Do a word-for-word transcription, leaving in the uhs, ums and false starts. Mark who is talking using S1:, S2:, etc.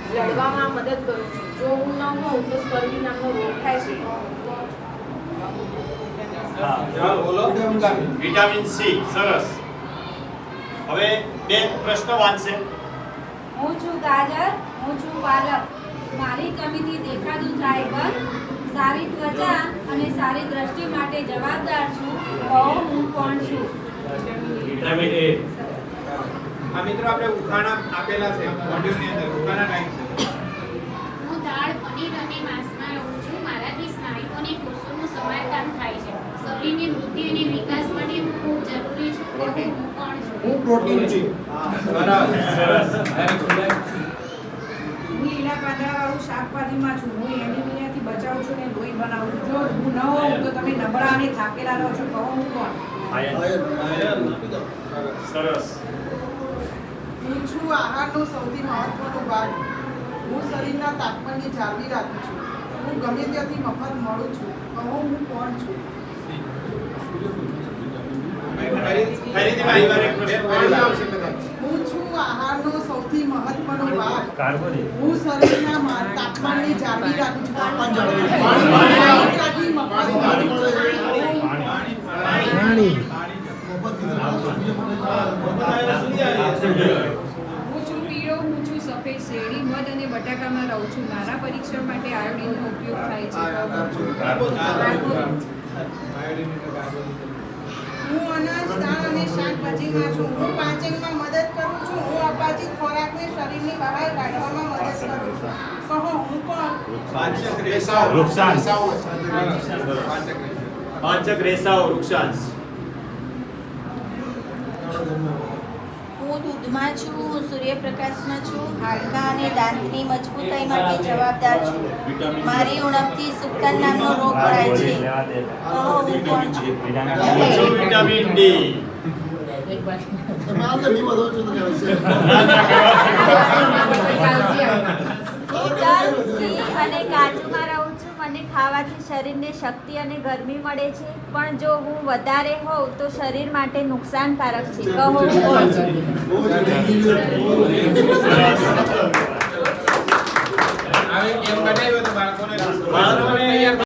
S1: લડવામાં મદદ કરું છું. જો હું ન હોઉં તો સ્કર્વી નામનો રોગ થાય છે.
S2: હા જવાબ બોલો.
S3: Vitamin C. સરસ. હવે બે પ્રશ્ન વાંચશે.
S4: હું છું ગાજર, હું છું પાલક. મારી જમીનથી દેખાતું ફાઈબર, સારી ત્વચા અને સારી દ્રષ્ટિ માટે જવાબદાર છું. કહો હું કોણ છું?
S3: Vitamin A.
S2: આ મિત્રો આપણે ઉખાણા આપેલા છે મોડ્યુલની અંદર. ઉખાણા ટાઈપ છે.
S5: હું દાળ, પનીર અને માંસમાં રહું છું. મારાથી સ્નાયુઓ અને કોષોનું સમારકામ થાય છે. શરીરની વૃદ્ધિ અને વિકાસ માટે હું ખૂબ જરૂરી છું. કહો હું કોણ છું?
S6: હું પ્રોટીન છું.
S2: સરસ સરસ.
S7: હું લીલા પાંદડાવાળું શાકભાજીમાં છું. હું એનિમિયાથી બચાવું છું અને લોહી બનાવું છું. જો હું ન હોઉં તો તમે નબળા અને થાકેલા રહો છો. કહો હું કોણ?
S3: સરસ.
S8: હું છું આહારનો સૌથી મહત્વનો ભાગ. હું શરીરના તાપમાનને જાળવી રાખું છું. હું ગમે ત્યાંથી મફત મળું છું. કહો હું કોણ છું?
S2: ફરીથી મારી વાર એક પ્રશ્ન ફરીથી આવશે કદાચ.
S8: હું છું આહારનો સૌથી મહત્વનો ભાગ.
S3: કાર્બોદિત.
S8: હું શરીરના મા- તાપમાનને જાળવી રાખું છું.
S6: તાપમાન જાળવી
S8: ગમે ત્યાંથી મફત મળું છું.
S6: પાણી.
S7: હું છું પીળો, હું છું સફેદ. શેરડી, મધ અને બટાકામાં રહું છું. મારા પરીક્ષણ માટે આયોડીનનો ઉપયોગ થાય છે.
S8: હું અનાજ, દાળ અને શાકભાજીમાં છું. હું પાચનમાં મદદ કરું છું. હું અપાચિત ખોરાકને શરીરની બહાર કાઢવામાં મદદ કરું છું. કહો હું કોણ?
S2: પાંચક રેસાઓ.
S3: વૃક્ષાંશ.
S2: પાંચક
S3: પાંચક રેસાઓ. વૃક્ષાંશ.
S9: હું દૂધમાં છું, હું સૂર્યપ્રકાશમાં છું. હાડકાં અને દાંતની મજબૂતાઈ માટે જવાબદાર છું. મારી ઉણપથી સુક્તન નામનો રોગ પડાય છે. કહો હું કોણ છું?
S3: હું છું વિટામિન ડી.
S6: તમે આમ તો નહીં વધો છો તો કહેવાય
S9: તલ, ઘી અને કાજુમાં રહું છું. મને ખાવાથી શરીરને શક્તિ અને ગરમી મળે છે. પણ જો હું વધારે હોઉં તો શરીર માટે નુકસાનકારક છે. કહો હું કોણ છું?
S2: હવે એમ બનાવ્યો તો બાળકોને બાળકોને